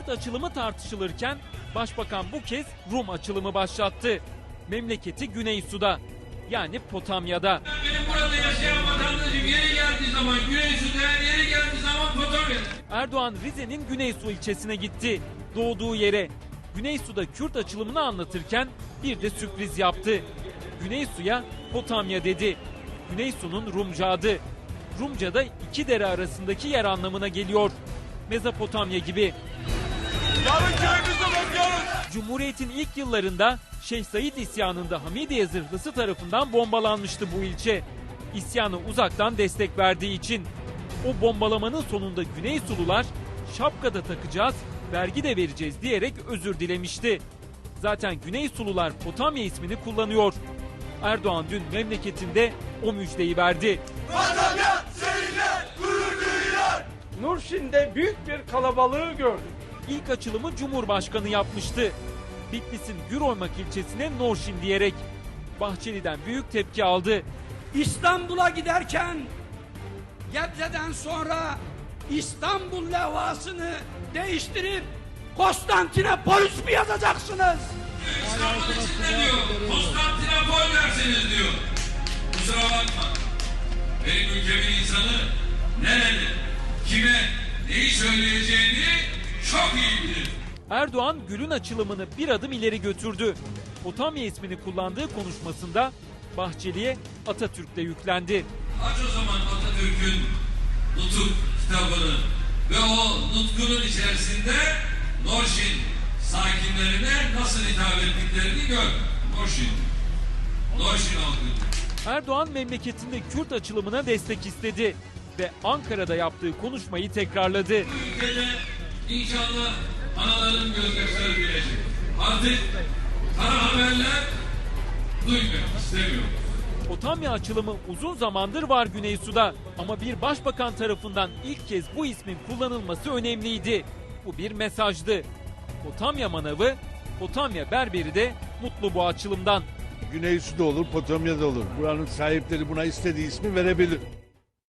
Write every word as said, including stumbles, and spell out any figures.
açılımı tartışılırken Başbakan bu kez Rum açılımı başlattı. Memleketi Güneysu'da, yani Potamya'da. Benim burada yaşayan vatandaşım yeri geldiği zaman Güneysu'da, yeri geldiği zaman Potamya'da. Erdoğan Rize'nin Güneysu ilçesine gitti. Doğduğu yere. Güneysu'da Kürt açılımını anlatırken bir de sürpriz yaptı. Güneysu'ya Potamya dedi. Güneysu'nun Rumca adı. Rumca'da iki dere arasındaki yer anlamına geliyor. Mezopotamya gibi. Yarın köyümüze bakıyoruz. Cumhuriyet'in ilk yıllarında Şeyh Said isyanında Hamidiye zırhlısı tarafından bombalanmıştı bu ilçe. İsyanı uzaktan destek verdiği için. O bombalamanın sonunda Güneysulular şapkada takacağız, vergi de vereceğiz diyerek özür dilemişti. Zaten Güneysulular Potamya ismini kullanıyor. Erdoğan dün memleketinde o müjdeyi verdi. Potamya seninle gurur duyuyor. Nurşin'de büyük bir kalabalığı gördük. İlk açılımı Cumhurbaşkanı yapmıştı. Bitlis'in Güroymak ilçesine Norşin diyerek. Bahçeli'den büyük tepki aldı. İstanbul'a giderken Gebze'den sonra İstanbul levhasını değiştirip Konstantinopolis mi yazacaksınız? İstanbul içinde diyor, Konstantinopol dersiniz diyor. Kusura bakma. Benim ülkemin insanı nerede, kime, neyi söyleyeceğini çok iyi bilir. Erdoğan Gül'ün açılımını bir adım ileri götürdü. Potamya ismini kullandığı konuşmasında Bahçeli'ye Atatürk'le yüklendi. Aç o zaman Atatürk'ün Nutuk kitabını ve o nutkunun içerisinde Norşin sakinlerine nasıl hitap ettiklerini gör. Norşin. Norşin halkı. Erdoğan memleketinde Kürt açılımına destek istedi ve Ankara'da yaptığı konuşmayı tekrarladı. Bu ülkede inşallah anaların gözyaşları bilecek. Artık kara haberler duymak istemiyorum. Potamya açılımı uzun zamandır var Güneysu'da ama bir başbakan tarafından ilk kez bu ismin kullanılması önemliydi. Bu bir mesajdı. Potamya manavı, Potamya berberi de mutlu bu açılımdan. Güneysu'da olur, Potamya'da olur. Buranın sahipleri buna istediği ismi verebilir.